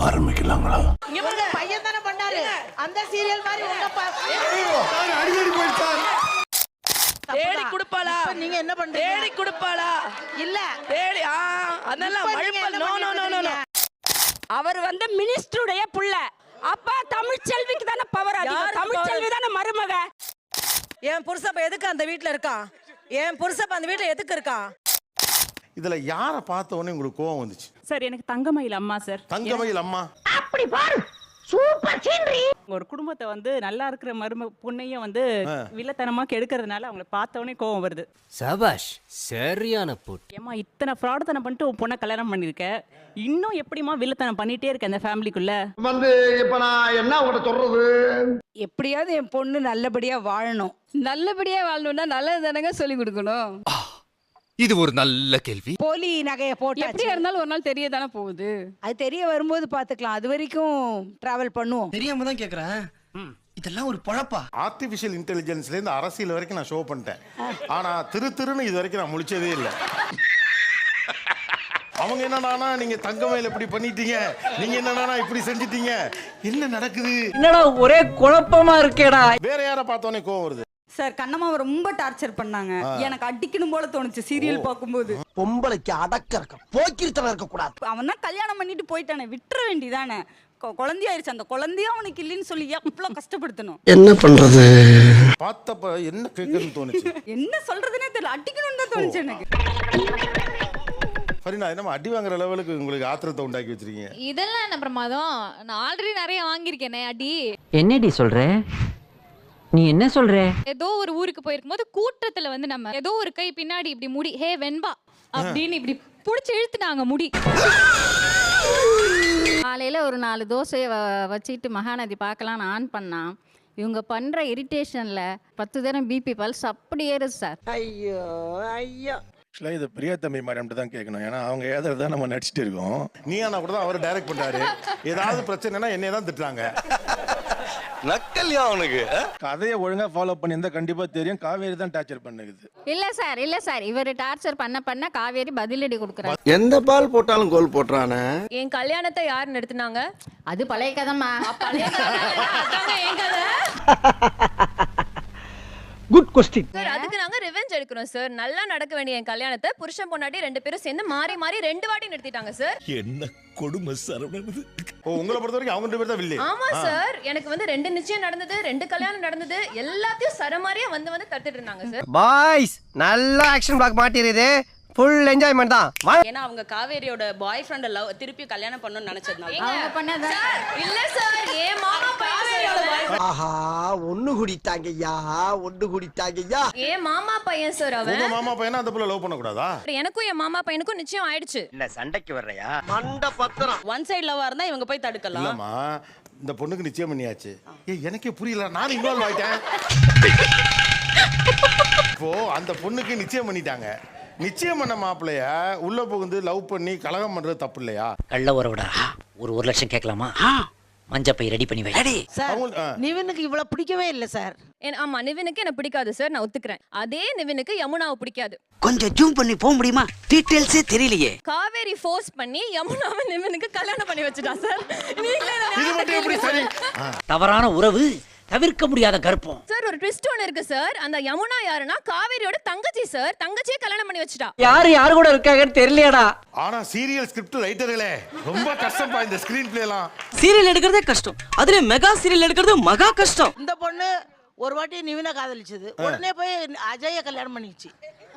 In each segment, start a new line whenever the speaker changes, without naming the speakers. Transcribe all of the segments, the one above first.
ஆரம்பிக்கலாங்களா?
பையன் தானே பண்ணாரு அந்த சீரியல் மாதிரி
அடிக்கடி போயிட்டார்.
தேடி குடுப்பாளா?
நீங்க என்ன பண்றீங்க?
தேடி குடுப்பாளா?
இல்ல
தேடி அதெல்லாம் மழுப்பல். No no no no.
அவர் வந்து மினிஸ்டருடைய புள்ள. அப்ப தமிழ் செல்விக்கு தானே பவர் அதிகம். தமிழ் செல்வி தானே மருமக.
என் புருஷப்ப எதுக்கு அந்த வீட்ல இருக்கான்? என் புருஷப்ப அந்த வீட்ல எதுக்கு இருக்கான்?
இதுல யாரை பார்த்த உடனே உங்களுக்கு கோவம் வந்துச்சு?
சார் எனக்கு தங்கமயில் அம்மா சார்.
தங்கமயில் அம்மா.
அப்படி பாரு சூப்பர் சீனரி.
ஒரு குடும்பத்தை வந்து நல்லா இருக்கிற பொண்ணையும் வந்து வில்லத்தனமா கெடுக்கிறதுனால அவங்களை பார்த்த உடனே கோவம் வருது.
சபாஷ், சரியான போட்டு.
ஏமா இத்தனை ஃப்ராடுத்தனம் பண்ணிட்டு உன் பொண்ணை கல்யாணம் பண்ணிருக்க, இன்னும் எப்படிமா வில்லத்தனம் பண்ணிட்டே இருக்க அந்த ஃபேமிலிக்குள்ள?
வந்து இப்ப நான் என்ன உங்கள்கிட்ட சொல்றது?
எப்படியாவது என் பொண்ணு நல்லபடியா வாழணும். நல்லபடியா வாழணும்னா நல்லது தானங்க சொல்லி கொடுக்கணும்.
இது ஒரு நல்ல கேள்வி.
போலி நகையை போட்டு
எப்படியா இருந்தாலும் ஒரு நாள் தெரிய தானே போகுது.
அது தெரிய வரும்போது பாத்துக்கலாம். அது வரைக்கும் டிராவல் பண்ணுவோம்.
தெரியாம தான் கேக்குறேன். இதெல்லாம் ஒரு பொழப்பா?
ஆர்டிபிஷியல் இன்டெலிஜென்ஸ்ல இருந்து அரசியல் வரைக்கும் நான் ஷோ பண்ணிட்டேன். ஆனா திருன்னு இது வரைக்கும் நான் முழிச்சதே இல்லை. அவங்க என்னன்னா நீங்க தங்கமயில் இப்படி பண்ணிட்டீங்க, நீங்க என்னன்னா இப்படி செஞ்சிட்டீங்க, என்ன நடக்குது?
என்னடா ஒரே குழப்பமா இருக்கேடா.
வேற யாரை பார்த்தோன்னே கோவம் வருது?
சார் கண்ணம்மாவை ரொம்ப டார்ச்சர் பண்ணாங்க. எனக்கு அடிக்கணும் போல தோணுச்சு சீரியல் பார்க்கும்போது.
பொம்பளைக்கு அடக்க இருக்க, போக்கிருத்தனம் இருக்க கூடாது.
அவன் தான் கல்யாணம் பண்ணிட்டு போயிட்டானே, விட்டுற வேண்டிதானே. குழந்தையாயிருச்சு, அந்த குழந்தைய அவனுக்கு இல்லைன்னு சொல்லி எவ்வளவு கஷ்டப்படுத்தணும்.
என்ன பண்றது?
பார்த்தப்ப என்ன கேட்கணும்னு தோணுச்சு?
என்ன சொல்றதுன்னே தெரியல. அடிக்கணும்னு தான் தோணுச்சு எனக்கு.
ஃபரீனா, என்னமா அடி வாங்குற லெவலுக்கு உங்களுக்கு ஆத்திரத்தை உண்டாக்கி வச்சிருக்கீங்க?
இதெல்லாம் என்ன பிரமாதம்? நான் ஆல்ரெடி நிறைய வாங்கியிருக்கேனே அடி.
என்னடி சொல்ற? நீ என்ன சொல்ற?
ஏதோ ஒரு ஊருக்கு போயிருக்கும் போது கூட்டத்துல வந்து நம்ம ஏதோ ஒரு கை பின்னாடி இப்படி முடி, ஹே வெண்பா அப்படின்னு இப்படி புடிச்சு இழுத்துட்டாங்க முடி.
காலையில ஒரு 4 தோசையை வச்சுட்டு மகாநதி பார்க்கலான்னு ஆன் பண்ணா, இவங்க பண்ற இரிட்டேஷன்ல 10 தரம் பிபி பல்ஸ் அப்படி ஏறுது சார்.
ஐயோ ஐயோ.
ஆக்சுவலாக இது பிரியா தம்பி மேடம்கிட்ட தான் கேட்கணும். ஏன்னா அவங்க ஏதாவது நம்ம நடிச்சிட்டு இருக்கோம்.
நீயானா கூட தான் அவர் டைரக்ட் பண்றாரு. ஏதாவது பிரச்சனைனா என்னைய தான் திட்டுறாங்க.
நக்கல்யா அவனுக்கு. கதையை ஒழுங்கா ஃபாலோ பண்ணியிருந்தா கண்டிப்பா தெரியும். காவேரி தான் டார்ச்சர் பண்ணுது.
இல்ல சார் இவர் டார்ச்சர் பண்ண காவேரி பதிலடி கொடுக்குறாரு.
எந்த பால் போட்டாலும் கோல் போட்டுறானே.
என் கல்யாணத்தை யார் நடத்துனாங்க?
அது பழைய கதைமா.
என் கதை.
Good question.
சார் அதுக்கு நாங்க ரிவெஞ்ச் எடுக்கிறோம் சார். நல்லா நடக்க வேண்டிய என் கல்யாணத்தை புருஷன் பொண்டாட்டி 2 பேரும் சேர்ந்து மாறி 2 வாட்டி நிறுத்திட்டாங்க சார்.
என்ன கொடுமை சரவணன். ஓ, உங்களை பொறுத்த வரைக்கும் அவங்க 2 பேர் தான் வில்லி.
ஆமா சார், எனக்கு வந்து 2 நிச்சயம் நடந்தது, 2 கல்யாணம் நடந்தது, எல்லாத்தையும் சரமாரியா வந்து தடுத்துட்டு இருந்தாங்க சார்.
பாய்ஸ் நல்லா ஆக்ஷன் பிளாக் மாட்டிருது. ஃபுல் என்ஜாய்மென்ட் தான்.
ஏன்னா அவங்க காவேரியோட பாய் ஃப்ரெண்ட லவ் திருப்பி கல்யாணம் பண்ணனும்னு நினைச்சதுனால.
அவங்க பண்ணத
இல்ல சார், ஏன் மாமா பையன்.
ஆஹா, ஒண்ணு குடித்தாங்கய்யா, ஒண்ணு குடித்தாங்கய்யா.
ஏன் மாமா பையன் சார் அவன்.
உங்க மாமா பையனா அந்த புள்ள லவ் பண்ண கூடாதா?
எனக்கும் என் மாமா பையனுக்கும் நிச்சயம் ஆயிடுச்சு.
என்ன சண்டைக்கு வர்றயா? மண்ட பத்திரம்.
ஒன் சைடு லவ்வா இருந்தா இவங்க போய் தடுக்கலாம்.
இல்லம்மா, இந்த பொண்ணுக்கு நிச்சயம் பண்ணியாச்சு. எனக்கே புரியல, நான் இன்வால்வ் ஆயிட்டேன். இப்போ அந்த பொண்ணுக்கு நிச்சயம் பண்ணிட்டாங்க. நிச்சயம் பண்ண மாப்பிள்ளைய உள்ள புகுந்து லவ் பண்ணி கலகம் பண்றது தப்பு இல்லையா?
கள்ள உறவுடா. ஒரு 1 லட்சம் கேட்கலாமா? மஞ்சப்பை ரெடி பண்ணி வை.
சார் நிவினுக்கு இவ்வளவு பிடிக்கவே இல்ல சார்.
ஆமா, நிவினுக்கு என்ன பிடிக்காது சார், நான் ஒத்துக்கிறேன். அதே நிவினுக்கு யமுனாவை பிடிக்காது.
கொஞ்சம் ஜூம் பண்ணி போக முடியுமா? டீடைல்ஸே தெரியலையே.
காவேரி ஃபோர்ஸ் பண்ணி யமுனாவை நிவினுக்கு கல்யாணம் பண்ணி வச்சுட்டா சார்.
இது மட்டும் எப்படி சரி?
தவறான உறவு, தவிர்க்க முடியாத கர்ப்பம்.
சார் ஒரு ட்விஸ்ட் ஒன்னு இருக்கு சார். அந்த யமுனா யாருன்னா காவேரியோட தங்கச்சி சார். தங்கச்சியை கல்யாணம் பண்ணி வச்சுட்டா.
யாரு கூட இருக்காங்கன்னு தெரியலையடா.
ஆனா சீரியல் ஸ்கிரிப்ட் ரைட்டர்களே ரொம்ப கஷ்டப்பா இந்த ஸ்கிரீன் பிளே எல்லாம்.
சீரியல் எடுக்கிறதே கஷ்டம், அதுல மெகா சீரியல் எடுக்கிறது மகா கஷ்டம்.
இந்த பொண்ணு ஒரு வாட்டி நிவினை காதலிச்சது, உடனே போய் அஜய கல்யாணம் பண்ணிச்சு.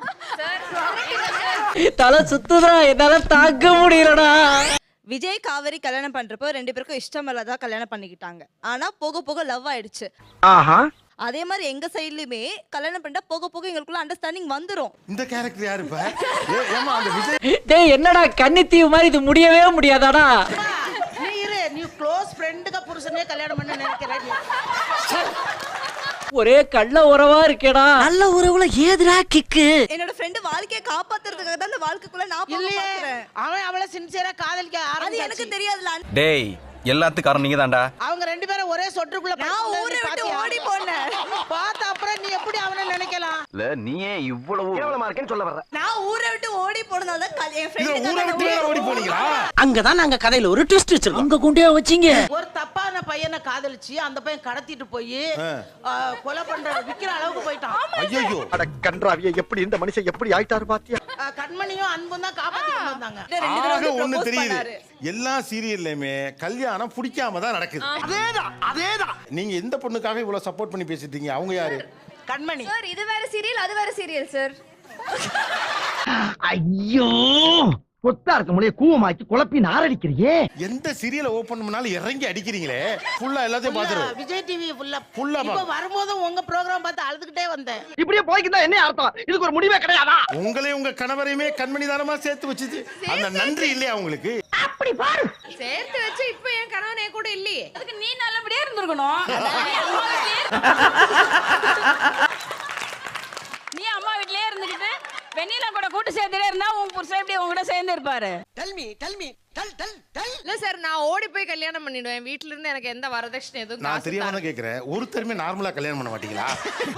தலை சுத்துதா, என்னால தாங்க முடியலடா.
விஜய் காவேரி கல்யாணம் பண்றப்போ 2 பேருக்கும் இஷ்டம் இல்லாதான் கல்யாணம் பண்ணிக்கிட்டாங்க. ஆனா போக போக லவ் ஆயிடுச்சு.
ஆஹா.
அதே மாதிரி எங்க சைடுலயுமே கல்யாணம் பண்ணா போக போக எங்களுக்குள்ள அண்டர்ஸ்டாண்டிங் வந்துரும்.
இந்த கேரக்டர் யாரு இப்ப? ஏமா அந்த விஜய்
டேய் என்னடா கன்னித்தீவு மாதிரி இது முடியவே முடியாதாடா?
நீ இரு, நீ க்ளோஸ் ஃப்ரெண்டுக்கு புருஷனே கல்யாணம் பண்ண நினைக்கிறேன்.
ஒரே கள்ள உறவா இருக்கேடா.
நல்ல உறவுல ஏதுடா கிக்கு?
என்னோட ஃப்ரெண்ட் வாழ்க்கையை காப்பாத்துறதுக்காக தான் அந்த வாழ்க்கைக்குள்ள நான்
இல்லையே,
பாக்குறேன்.
அவன் அவளை சின்சியரா காதலிக்க
அது
ஆரம்பிச்சாச்சு.
எனக்கு தெரியாதுல.
டேய், எல்லாத்துக்கும் காரணம் நீங்க தான்டா.
அவங்க 2 பேரும் ஒரே சொட்டுக்குள்ள
நான் ஊரை விட்டு ஓடி போனேன்.
பார்த்த அப்புறம் நீ எப்படி அவனை நினைக்கலாம்?
இல்ல நீயே இவ்வளவு கேவலமா இருக்கேன்னு சொல்ல வர்ற.
நான் ஊரை விட்டு ஓடி போனது அதனால தான் என்
இதுல ஊரை விட்டு வேற ஓடி போனீங்களா?
அங்கதான் நாங்க கதையில ஒரு ட்விஸ்ட் வச்சிருக்கோம். அங்க கொண்டே வச்சீங்க.
ஒரு தப்பான பையனை காதலிச்சு அந்த பையன் கடத்திட்டு போய் கொலை பண்ற விக்கிற அளவுக்கு போயிட்டான்.
ஐயோ,
அட கன்றாவிய, எப்படி இந்த மனுஷன் எப்படி ஆயிட்டாரு பாத்தியா?
கண்மணியும் அன்பும் தான் காப்பாத்தி கொண்டு வந்தாங்க.
ஆக ஒண்ணு தெரியுது, எல்லா சீரியல்லையுமே கல்யாணம் பிடிக்காம தான் நடக்குது. அதேதான். நீங்க எந்த பொண்ணுக்காக இவ்வளவு சப்போர்ட் பண்ணி பேசிட்டீங்க? அவங்க யாரு?
கண்மணி.
சார் இது வேற சீரியல், அது வேற சீரியல் சார்.
ஐயோ, கொத்தா இருக்க முடிய கூவமாக்கி குழப்பி நாரடிக்கிறியே.
எந்த சீரியலை ஓபன் பண்ணாலும் இறங்கி அடிக்கிறீங்களே. ஃபுல்லா எல்லாத்தையும் பாத்துறோம்.
விஜய் டிவி ஃபுல்லா
ஃபுல்லா
இப்ப வரும்போது உங்க ப்ரோகிராம் பார்த்து அழுதுகிட்டே வந்தேன்.
இப்படியே போய்க்கிட்டா என்ன அர்த்தம்? இதுக்கு ஒரு முடிவே கிடையாதா?
உங்களையும் உங்க கணவரையுமே கண்மணி தானமா சேர்த்து வச்சுச்சு. அந்த நன்றி இல்லையா உங்களுக்கு?
அப்படி பாரு.
சேர்த்து வச்சு இப்போ என் கணவன் என் கூட இல்லையே.
அதுக்கு நீ நல்லபடியா இருந்திருக்கணும். நீ அம்மா வீட்லயே இருந்துக்கிட்டு வெண்ணிலா கூட கூட்டு சேர்த்துட்டே இருந்தா உன் புருஷன் எப்படி உங்க கூட சேர்ந்து இருப்பாரு?
இல்ல சார், நான் ஓடி போய் கல்யாணம் பண்ணிடுவேன். வீட்ல இருந்து எனக்கு எந்த வரதட்சணை எதுவும்
நான் தெரியாம கேக்குறேன், ஒருத்தருமே நார்மலா கல்யாணம் பண்ண மாட்டீங்களா?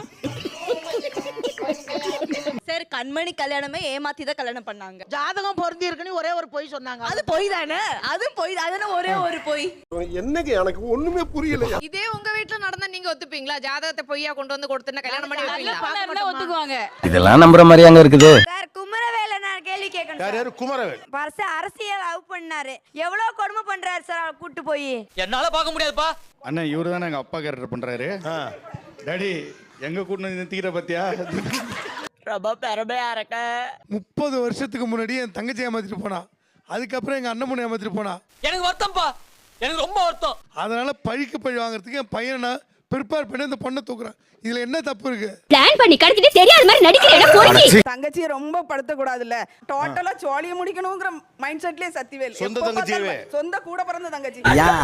சார், கண்மணி கல்யாணமே ஏமாத்தி தான் கல்யாணம் பண்ணாங்க.
ஜாதகம் பொருந்தி இருக்குன்னு ஒரே ஒரு பொய் சொன்னாங்க.
அது பொய் தானே? அது பொய். அதுனா ஒரே ஒரு பொய்.
என்னங்க எனக்கு ஒண்ணுமே புரியல.
இதே உங்க வீட்ல நடந்தா நீங்க ஒத்துப்பீங்களா? ஜாதகத்தை பொய்யா கொண்டு வந்து கொடுத்துனா கல்யாணம் பண்ணி
நல்ல
வைப்பீங்களா?
பொண்ணா இருந்தா ஒத்துக்குவாங்க.
இதெல்லாம் நம்புற மாதிரி அங்க இருக்குது.
சார், குமரவேல நான் கேள்வி கேட்கணும்.
யார் யாரு? குமரவேல்.
அரசியல் லவ் பண்ணாரு. எவ்வளவு கொடுமை பண்றாரு சார் அவரை கூட்டு போய்.
என்னால பார்க்க முடியாதுப்பா.
அண்ணா இவரு தானே எங்க அப்பா கேரக்டர் பண்றாரு. டாடி எங்க கூட்டு நிறுத்திக்கிற பத்தியா?
ரொம்ப பெருமையா இருக்க.
30 வருஷத்துக்கு முன்னாடி என் தங்கச்சி ஏமாத்திட்டு போனா. அதுக்கப்புறம் எங்க அண்ணன் பொண்ணு ஏமாத்திட்டு போனா.
எனக்கு வருத்தம்ப்பா, எனக்கு ரொம்ப வருத்தம்.
அதனால பழிக்கு பழி வாங்குறதுக்கு என் பையனை ப்ரிப்பேர் பண்ணி அந்த பொண்ணை தூக்குறான். இதுல என்ன தப்பு இருக்கு?
பிளான் பண்ணி கடத்திட்டு தெரியாத மாதிரி நடிக்கிறேன்.
தங்கச்சியை ரொம்ப படுத்த கூடாதுல்ல. டோட்டலா சோழிய முடிக்கணும்ங்கற மைண்ட் செட்லயே சத்திவேல்.
சொந்த தங்கச்சியவே.
சொந்த கூட பிறந்த தங்கச்சி.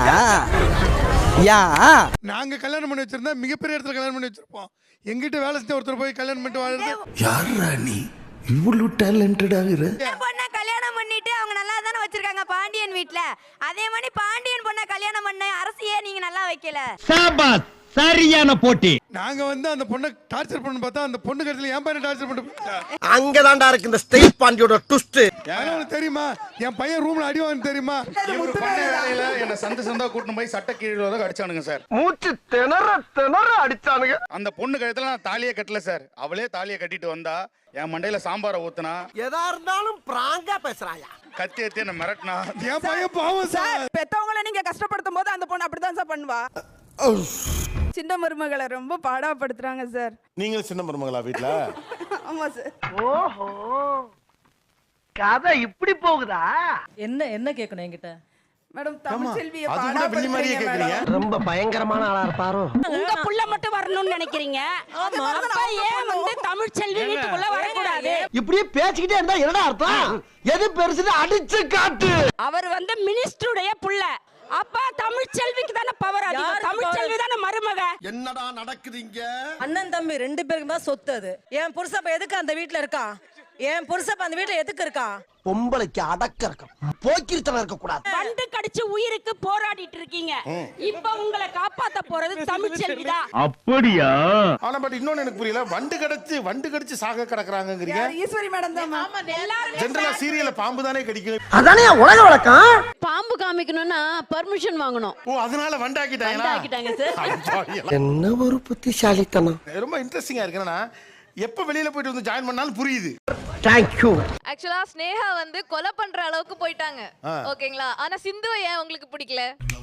நாங்க கல்யாணம் பண்ணி வச்சிருந்தா மிகப்பெரிய இடத்துல கல்யாணம் பண்ணி வச்சிருப்போம். எங்கிட்ட வேலை செஞ்ச ஒருத்தர் போய் கல்யாணம் பண்ணிட்டு வாழுறது.
யாரா நீ இவ்வளவு டேலண்டடா இரு?
பொண்ண கல்யாணம் பண்ணிட்டு அவங்க நல்லா தானே வச்சிருக்காங்க பாண்டியன் வீட்ல. அதே மாதிரி பாண்டியன் பொண்ண கல்யாணம் பண்ண அரசியே நீங்க நல்லா வைக்கல.
சாபாஸ், சரியான போட்டி.
நாங்க வந்து அந்த பொண்ணை டார்ச்சர் பண்ண பார்த்தா அந்த பொண்ணு கருத்துல என் பையனை டார்ச்சர் பண்ணிட்டு
அங்கதான்டா இருக்கு இந்த ஸ்டேட் பாண்டியோட ட்விஸ்ட்.
உனக்கு தெரியுமா? என் பையன் ரூம்ல அடி வாங்க தெரியுமா?
இவரு பண்ண வேலையில என்ன சந்தா கூட்டிட்டு போய் சட்ட கீழே அடிச்சானுங்க சார்.
மூச்சு திணற அடிச்சானுங்க.
அந்த பொண்ணு கழுத்துல நான் தாலியே கட்டல சார். அவளே தாலியை கட்டிட்டு வந்தா என் மண்டையில சாம்பாரை ஊத்துனா.
எதா இருந்தாலும் பிராங்கா பேசுறாயா?
கத்தி எத்தி என்ன மிரட்டினா.
என் பையன் பாவம் சார்.
பெத்தவங்கள நீங்க கஷ்டப்படுத்தும் போது அந்த பொண்ணு அப்படிதான் சார் பண்ணுவா. சின்ன மருமகளை ரொம்ப பாடாப்படுத்துறாங்க சார்.
நீங்களும் சின்ன மருமகளா வீட்ல?
ஆமா சார்.
ஓஹோ, கதை இப்படி போகுதா?
என்ன கேட்கணும் என்கிட்ட? மேடம், தமிழ்ச்செல்வியை
அது கூட வெள்ளி மாதிரியே கேக்குறீங்க.
ரொம்ப பயங்கரமான ஆளா இருப்பாரோ?
உங்க புள்ள மட்டும் வரணும்னு நினைக்கிறீங்க. அப்ப ஏன் வந்து தமிழ்ச்செல்வி வீட்டுக்குள்ள வரக்கூடாது?
இப்படியே பேசிக்கிட்டே இருந்தா என்னடா அர்த்தம்? எது பெருசுன்னு அடிச்சு காட்டு.
அவர் வந்து மினிஸ்டருடைய புள்ள. அப்ப தமிழ்ச்செல்விக்கு தானே பவர் அதிகம். தமிழ்ச்செல்வி தானே மருமக.
என்னடா நடக்குதுங்க?
அண்ணன் தம்பி 2 பேருக்கு தான் சொத்து அது. என் புருஷன் எதுக்கு அந்த வீட்ல இருக்கான்? என் புருஷன் அந்த வீட்ல எதுக்கு இருக்கான்?
பொம்பளைக்கு அடக்க இருக்கும், போக்கிருத்தனம் இருக்க கூடாது.
பண்டு கடிச்சு உயிருக்கு போராடிட்டு இருக்கீங்க. இப்ப உங்களை காப்பாத்த போறது தமிழ்ச்செல்வி தான்.
அப்படியா?
ஆனா பட் இன்னொன்னு எனக்கு புரியல, வண்டு கடிச்சு சாக கிடக்குறாங்கங்கறீங்க.
ஈஸ்வரி மேடம் தான்.
ஆமா, எல்லாரும்
ஜெனரலா சீரியல்ல பாம்பு தானே கடிக்கும்.
அதானே உலக வழக்கம்.
பாம்பு காமிக்கணும்னா பர்மிஷன் வாங்கணும்.
ஓ, அதனால வண்டாக்கிட்டாங்களா?
சார்.
என்ன ஒரு புத்திசாலித்தனம்.
ரொம்ப இன்ட்ரெஸ்டிங்கா இருக்கு. என்னன்னா எப்ப வெளியில போயிட்டு வந்து ஜாயின் பண்ணாலும் புரியுது.
Thank you.
ஆக்சுவலா ஸ்னேகா வந்து கொலை பண்ற அளவுக்கு போயிட்டாங்க. ஓகேங்களா? ஆனா சிந்துவை ஏன் உங்களுக்கு பிடிக்கல?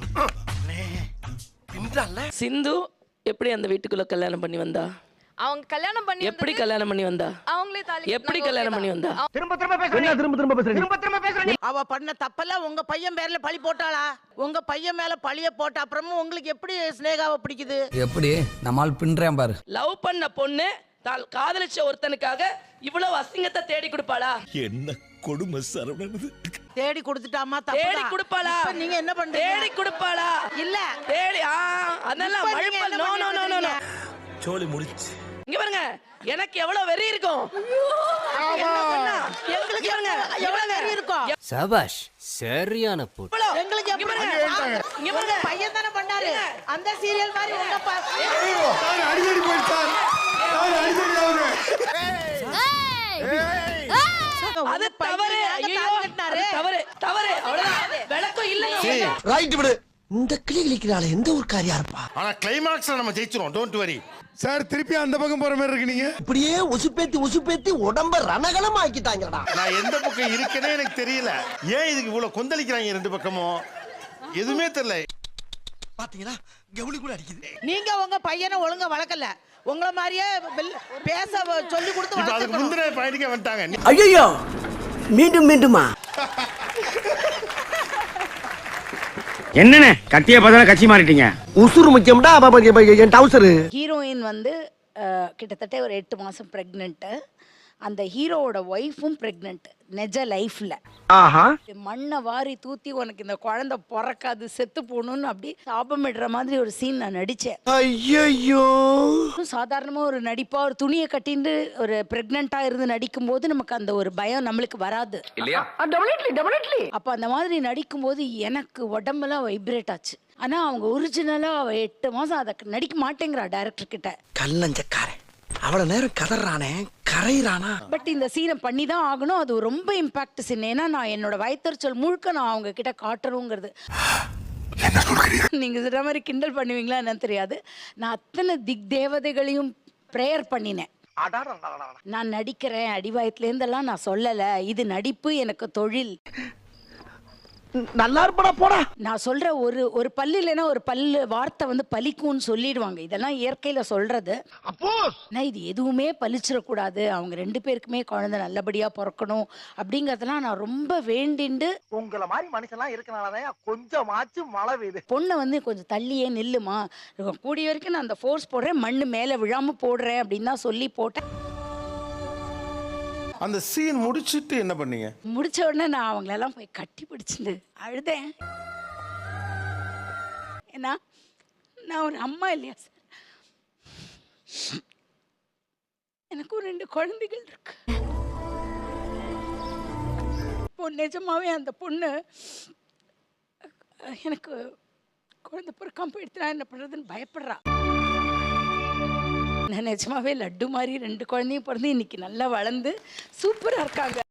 சிந்து எப்படி அந்த வீட்டுக்குள்ள கல்யாணம் பண்ணி வந்தா?
அவங்க கல்யாணம் பண்ணி
எப்படி கல்யாணம் பண்ணி வந்தா?
அவங்களே தாலி
எப்படி கல்யாணம் பண்ணி வந்தா?
திரும்ப பேசுறீங்க.
அவ பண்ண தப்பெல்லாம் உங்க பையன் பேர்ல பழி போட்டாளா? உங்க பையன் மேல பழிய போட்ட அப்புறமும் உங்களுக்கு எப்படி ஸ்னேகாவை பிடிக்குது?
எப்படி நம்மால் பின்றேன் பாரு.
லவ் பண்ண பொண்ணு காதலிச்ச ஒருத்தனுக்காக இவ்வளவு அசிங்கத்தை தேடி கொடுப்பாளா?
என்ன கொடுமை சரவணன்.
தேடி கொடுத்துட்டாமா?
தேடி கொடுப்பாளா?
நீங்க என்ன பண்றீங்க?
தேடி கொடுப்பாளா?
இல்ல
தேடி அதெல்லாம் மழுப்பல். No no no no.
சோலி முடிச்சு.
இங்க பாருங்க, எனக்கு எவ்வளவு வெறி இருக்கும்.
எங்களுக்கு எவ்வளவு வெறி இருக்கும்.
சபாஷ், சரியான போட்டு.
எங்களுக்கு
இங்க பாருங்க,
பையன் தானே பண்ணாரு. அந்த சீரியல் மாதிரி உங்க
அடிக்கடி போயிட்டார்.
அது தவறு.
தவறு தவறு அவ்வளவுதான். விளக்கம் இல்ல.
ரைட் விடு. இந்த கிளி கிளிக்கிறாள் எந்த ஒரு காரியா இருப்பா.
ஆனா கிளைமாக்ஸ்ல நம்ம ஜெயிச்சிரும், டோன்ட் வரி.
சார் திருப்பி அந்த பக்கம் போற மாதிரி இருக்கு நீங்க.
இப்படியே உசுப்பேத்தி உடம்ப ரணகலம் ஆக்கிட்டாங்கடா.
நான் எந்த பக்கம் இருக்கேனே எனக்கு தெரியல. ஏன் இதுக்கு இவ்வளவு கொந்தளிக்கிறாங்க ரெண்டு பக்கமும்? எதுவுமே தெரியல.
பாத்தீங்களா கவுளி கூட அடிக்குது.
நீங்க உங்க பையனை ஒழுங்கா வளர்க்கல. உங்கள மாதிரியே பேச சொல்லி கொடுத்து
இப்ப அதுக்கு முந்தின பாயிண்ட்க்கே வந்துட்டாங்க.
ஐயோ மீண்டுமா
என்னண்ணே கத்திய பார்த்தா கட்சி மாறிட்டீங்க.
உசுறு முக்கியம்டா. என் டவுசரு.
ஹீரோயின் வந்து கிட்டத்தட்ட ஒரு 8 மாசம் பிரெக்னென்ட். அந்த ஹீரோவோட ஒய்ஃபும் பிரெக்னென்ட் நெஜ லைஃப்ல.
ஆஹா.
மண்ணை வாரி தூத்தி உனக்கு இந்த குழந்தை பிறக்காது செத்து போகணும்னு அப்படி சாபமிடுற மாதிரி ஒரு சீன் நான் நடிச்சேன்.
ஐயோ.
சாதாரணமா ஒரு நடிப்பா ஒரு துணியை கட்டிட்டு ஒரு பிரெக்னெண்டா இருந்து நடிக்கும் போது நமக்கு அந்த ஒரு பயம் நம்மளுக்கு வராது இல்லையா? அப்ப அந்த மாதிரி நடிக்கும் போது எனக்கு உடம்பெல்லாம் வைப்ரேட் ஆச்சு. ஆனா அவங்க ஒரிஜினலா 8 மாசம் அதை நடிக்க மாட்டேங்கிறா டைரக்டர் கிட்ட.
கல்லஞ்சக்காரன் அவ்வளவு நேரம் கதறானே கரையிறானா.
பட் இந்த சீனை பண்ணி தான் ஆகணும். அது ரொம்ப இம்பாக்ட் சீன். ஏன்னா நான் என்னோட வயிற்றுச்சல் முழுக்க நான் அவங்க கிட்ட காட்டணுங்கிறது. நீங்க சொல்ற மாதிரி கிண்டல் பண்ணுவீங்களா என்னன்னு தெரியாது. நான் அத்தனை திக் தேவதைகளையும் ப்ரேயர் பண்ணினேன். நான் நடிக்கிறேன் அடிவாயத்துல இருந்தெல்லாம் நான் சொல்லல. இது நடிப்பு, எனக்கு தொழில்.
நல்லா இருப்படா போடா.
நான் சொல்ற ஒரு பல்லு இல்லைன்னா ஒரு பல்லு வார்த்தை வந்து பலிக்கும்னு சொல்லிடுவாங்க. இதெல்லாம் இயற்கையில சொல்றது. நான் இது எதுவுமே பலிச்சிடக்கூடாது, அவங்க 2 பேருக்குமே குழந்தை நல்லபடியா பிறக்கணும் அப்படிங்கறதெல்லாம் நான் ரொம்ப வேண்டிண்டு.
உங்களை மாதிரி மனுஷன்லாம் இருக்கனாலதான் கொஞ்சமாச்சும் மழை பெய்யுது.
பொண்ணை வந்து கொஞ்சம் தள்ளியே நில்லுமா, கூடிய வரைக்கும் நான் அந்த ஃபோர்ஸ் போடுறேன், மண்ணு மேல விழாம போடுறேன் அப்படின்னு தான் சொல்லி போட்டேன்.
அந்த சீன் முடிச்சிட்டு என்ன பண்ணீங்க?
முடிச்ச உடனே நான் அவங்களெல்லாம் போய் கட்டி பிடிச்சிட்டு அழுதேன். ஏன்னா நான் ஒரு அம்மா இல்லையா சார், எனக்கு ஒரு 2 குழந்தைகள் இருக்கு. இப்போ நிஜமாவே அந்த பொண்ணு எனக்கு குழந்தை பிறக்காம போயிடுச்சுனா என்ன பண்றதுன்னு பயப்படுறா. நான் நிஜமாவே லட்டு மாதிரி 2 குழந்தையும் பிறந்து இன்னைக்கு நல்லா வளர்ந்து சூப்பரா இருக்காங்க.